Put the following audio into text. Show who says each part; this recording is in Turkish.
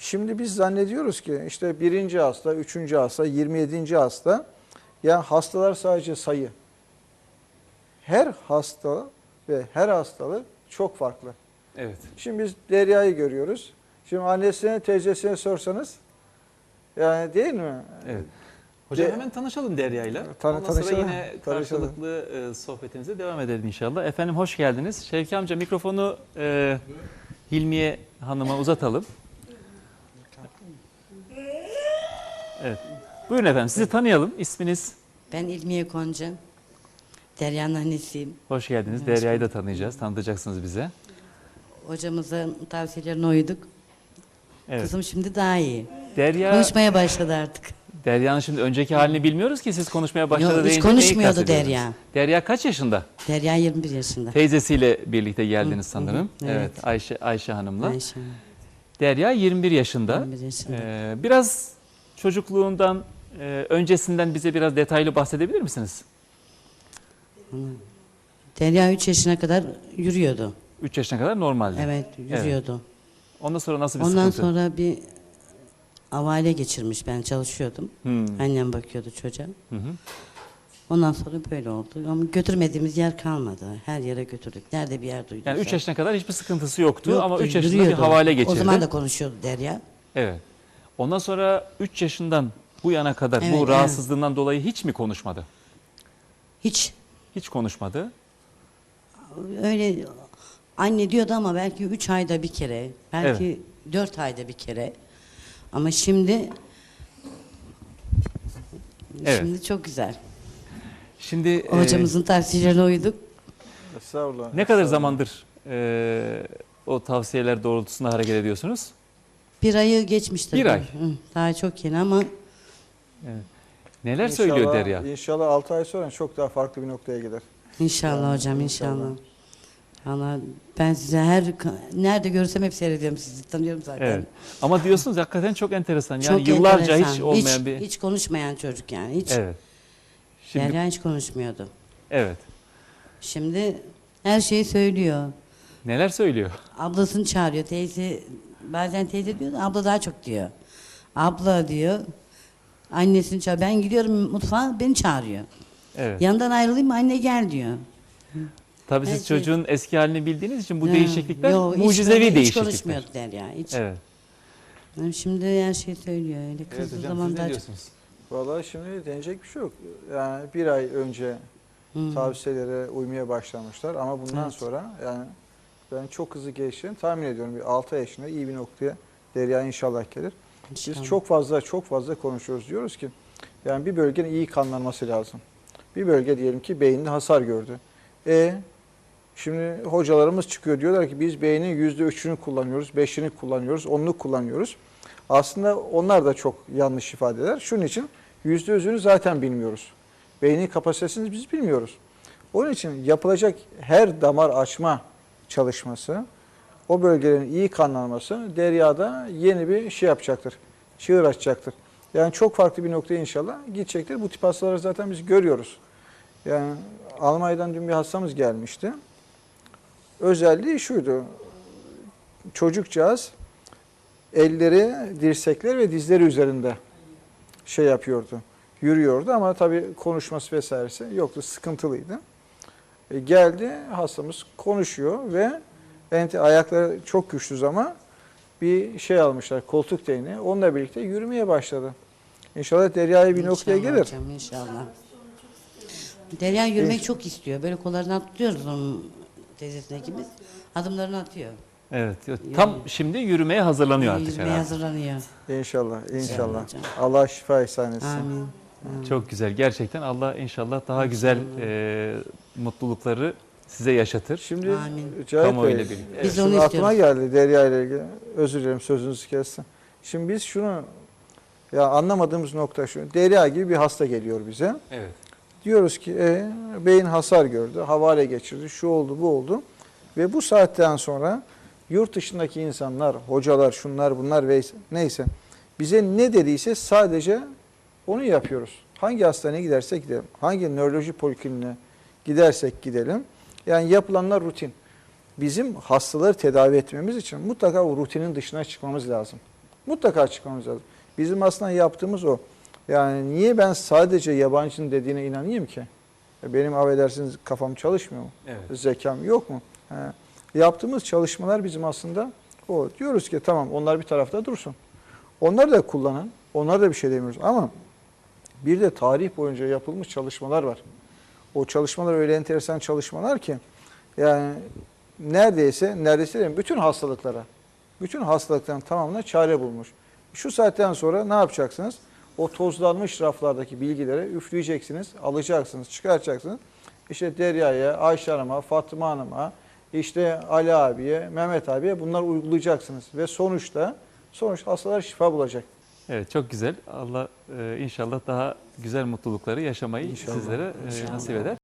Speaker 1: Şimdi biz zannediyoruz ki işte 1. hasta, 3. hasta, 27. hasta. Ya hastalar sadece sayı. Her hasta ve her hastalık çok farklı.
Speaker 2: Evet.
Speaker 1: Şimdi biz Derya'yı görüyoruz. Şimdi annesine, teyzesine sorsanız, yani değil mi?
Speaker 2: Evet. Hocam hemen tanışalım Derya'yla. Ondan sonra
Speaker 1: Tanışalım.
Speaker 2: yine karşılıklı sohbetimize devam edelim inşallah. Efendim hoş geldiniz. Şevki amca mikrofonu Hilmiye Hanım'a uzatalım. Evet. Buyurun efendim, sizi tanıyalım. İsminiz?
Speaker 3: Ben İlmiye Konca. Derya'nın annesiyim.
Speaker 2: Hoş geldiniz. Derya'yı da tanıyacağız. Tanıtacaksınız bize.
Speaker 3: Hocamızın tavsiyelerine uyduk.
Speaker 2: Evet.
Speaker 3: Kızım şimdi daha iyi.
Speaker 2: Derya,
Speaker 3: Konuşmaya başladı artık.
Speaker 2: Derya'nın şimdi önceki halini bilmiyoruz ki siz konuşmaya başladı
Speaker 3: Yok, hiç
Speaker 2: deyince neyi
Speaker 3: konuşmuyordu
Speaker 2: kastediyorsunuz?
Speaker 3: Derya.
Speaker 2: Derya kaç yaşında?
Speaker 3: Derya 21 yaşında.
Speaker 2: Teyzesiyle birlikte geldiniz sanırım.
Speaker 3: evet.
Speaker 2: Evet, Ayşe Hanım'la.
Speaker 3: Ayşe.
Speaker 2: Derya 21 yaşında.
Speaker 3: 21 yaşında.
Speaker 2: Biraz çocukluğundan, öncesinden bize biraz detaylı bahsedebilir misiniz?
Speaker 3: Derya 3 yaşına kadar yürüyordu.
Speaker 2: 3 yaşına kadar normaldi.
Speaker 3: Evet, yürüyordu.
Speaker 2: Ondan sonra nasıl bir
Speaker 3: Ondan
Speaker 2: sıkıntı?
Speaker 3: sonra bir avale geçirmiş. Ben çalışıyordum. Annem bakıyordu çocuğa.
Speaker 2: Hı hı.
Speaker 3: Ondan sonra böyle oldu. Ama götürmediğimiz yer kalmadı. Her yere götürdük. Nerede bir yer duyduk.
Speaker 2: Yani 3 yaşına kadar hiçbir sıkıntısı yoktu, ama 3 yaşında
Speaker 3: yürüyordu.
Speaker 2: bir havale geçirdi.
Speaker 3: O zaman da konuşuyordu Derya.
Speaker 2: Evet. Ondan sonra 3 yaşından bu yana kadar
Speaker 3: Evet,
Speaker 2: bu rahatsızlığından dolayı hiç mi konuşmadı?
Speaker 3: Hiç
Speaker 2: Hiç konuşmadı.
Speaker 3: öyle anne diyordu ama belki 3 ayda bir kere, belki 4 ayda bir kere. Ama şimdi
Speaker 2: Evet.
Speaker 3: çok güzel.
Speaker 2: Şimdi
Speaker 3: Hocamızın tavsiyelerine uyduk.
Speaker 1: Estağfurullah.
Speaker 2: ne kadar
Speaker 1: Estağfurullah.
Speaker 2: zamandır o tavsiyeler doğrultusunda hareket ediyorsunuz?
Speaker 3: 1 ayı geçmiştir.
Speaker 2: 1 ay.
Speaker 3: Hı, daha çok yeni ama
Speaker 2: Neler söylüyor Derya?
Speaker 1: İnşallah 6 ay sonra çok daha farklı bir noktaya gider.
Speaker 3: inşallah
Speaker 1: Yani
Speaker 3: hocam
Speaker 1: inşallah.
Speaker 3: inşallah. Allah, ben size nerede görürsem hep seyrediyorum sizi. Tanıyorum zaten.
Speaker 2: Evet. Ama diyorsunuz hakikaten çok enteresan. Yani
Speaker 3: Çok
Speaker 2: yıllarca
Speaker 3: enteresan.
Speaker 2: hiç olmayan bir...
Speaker 3: Hiç konuşmayan çocuk yani. Hiç.
Speaker 2: Evet. Şimdi,
Speaker 3: Derya hiç konuşmuyordu.
Speaker 2: evet.
Speaker 3: Şimdi her şeyi söylüyor.
Speaker 2: Neler söylüyor?
Speaker 3: Ablasını çağırıyor. Teyze, bazen teyze diyor da abla daha çok diyor. Abla diyor. Annesini çağırıyor. Ben gidiyorum mutfağa, beni çağırıyor.
Speaker 2: Evet.
Speaker 3: Yanından ayrılayım mı, anne gel diyor.
Speaker 2: Tabii
Speaker 3: her
Speaker 2: siz
Speaker 3: şey-
Speaker 2: çocuğun eski halini bildiğiniz için bu
Speaker 3: Ha,
Speaker 2: değişiklikler
Speaker 3: yok,
Speaker 2: mucizevi
Speaker 3: hiç
Speaker 2: değişiklikler.
Speaker 3: konuşmuyordu Derya. Hiç.
Speaker 2: Evet.
Speaker 3: Yani şimdi her şeyi söylüyor. Öyle
Speaker 2: Evet
Speaker 3: kızdığı
Speaker 2: hocam,
Speaker 3: zaman
Speaker 2: siz ne
Speaker 3: daha çok.
Speaker 2: diyorsunuz?
Speaker 1: Vallahi şimdi denecek bir şey yok. Yani 1 ay önce tavsiyelere uymaya başlamışlar ama bundan
Speaker 3: Evet.
Speaker 1: sonra yani ben çok hızlı gelişeceğini tahmin ediyorum. Bir 6 yaşında iyi bir noktaya Derya inşallah gelir. Biz
Speaker 3: İnşallah.
Speaker 1: çok fazla konuşuyoruz. Diyoruz ki yani bir bölgenin iyi kanlanması lazım. Bir bölge diyelim ki beyninde hasar gördü. Şimdi hocalarımız çıkıyor diyorlar ki biz beynin %3'ünü kullanıyoruz, 5'ini kullanıyoruz, 10'unu kullanıyoruz. Aslında onlar da çok yanlış ifadeler. Şunun için %100'ünü zaten bilmiyoruz. Beynin kapasitesini biz bilmiyoruz. Onun için yapılacak her damar açma çalışması, o bölgelerin iyi kanlanması Derya'da yeni bir şey yapacaktır. Çığır açacaktır. Yani çok farklı bir noktaya inşallah gidecektir. Bu tip hastaları zaten biz görüyoruz. Yani Almanya'dan dün bir hastamız gelmişti. Özelliği şuydu. Çocukcağız elleri, dirsekleri ve dizleri üzerinde şey yapıyordu. Yürüyordu ama tabii konuşması vesairesi yoktu. Sıkıntılıydı. Geldi hastamız konuşuyor ve ayakları çok güçsüz ama bir şey almışlar, koltuk değneği. Onunla birlikte yürümeye başladı. İnşallah Derya'ya bir noktaya
Speaker 3: İnşallah
Speaker 1: gelir.
Speaker 3: hocam, inşallah. Derya yürümek çok istiyor. Böyle kollarını tutuyoruz onun teyzesine ikimiz. Adımlarını atıyor.
Speaker 2: Evet. Tam şimdi yürümeye hazırlanıyor artık
Speaker 3: Yürümeye
Speaker 2: herhalde.
Speaker 3: hazırlanıyor.
Speaker 1: İnşallah, inşallah.
Speaker 3: hocam.
Speaker 1: Allah şifa ihsan etsin.
Speaker 3: Amin.
Speaker 2: Çok güzel. Gerçekten Allah inşallah daha güzel mutlulukları size yaşatır.
Speaker 1: Şimdi
Speaker 3: Amin.
Speaker 1: Cahit
Speaker 2: Kamuoyuyla
Speaker 1: Bey,
Speaker 2: birlikte.
Speaker 3: Biz
Speaker 1: şimdi
Speaker 3: onu
Speaker 1: aklıma
Speaker 3: istiyoruz.
Speaker 1: geldi Derya ile ilgili. Özür dilerim sözünüzü kestim. Şimdi biz şunu ya anlamadığımız nokta şu. Derya gibi bir hasta geliyor bize.
Speaker 2: Evet.
Speaker 1: Diyoruz ki beyin hasar gördü, havale geçirdi, şu oldu, bu oldu. Ve bu saatten sonra yurt dışındaki insanlar, hocalar, şunlar, bunlar ve neyse bize ne dediyse sadece onu yapıyoruz. Hangi hastaneye gidersek gidelim, hangi nöroloji polikliniğine gidersek gidelim. Yani yapılanlar rutin. Bizim hastaları tedavi etmemiz için mutlaka o rutinin dışına çıkmamız lazım. Mutlaka çıkmamız lazım. Bizim aslında yaptığımız o. Yani niye ben sadece yabancının dediğine inanayım ki? Benim affedersiniz kafam çalışmıyor mu?
Speaker 2: Evet.
Speaker 1: Zekam yok mu? He. Yaptığımız çalışmalar bizim aslında o. Diyoruz ki tamam onlar bir tarafta dursun. Onları da kullanın. Onlara da bir şey demiyoruz. Ama bir de tarih boyunca yapılmış çalışmalar var. O çalışmalar öyle enteresan çalışmalar ki yani neredeyse değil, bütün hastalıkların tamamına çare bulmuş. Şu saatten sonra ne yapacaksınız? O tozlanmış raflardaki bilgileri üfleyeceksiniz, alacaksınız, çıkaracaksınız. İşte Derya'ya, Ayşe Hanım'a, Fatıma Hanım'a, işte Ali abiye, Mehmet abiye bunları uygulayacaksınız. Ve sonuçta hastalar şifa bulacak.
Speaker 2: Evet, çok güzel. Allah inşallah daha güzel mutlulukları yaşamayı
Speaker 1: İnşallah.
Speaker 2: sizlere nasip eder.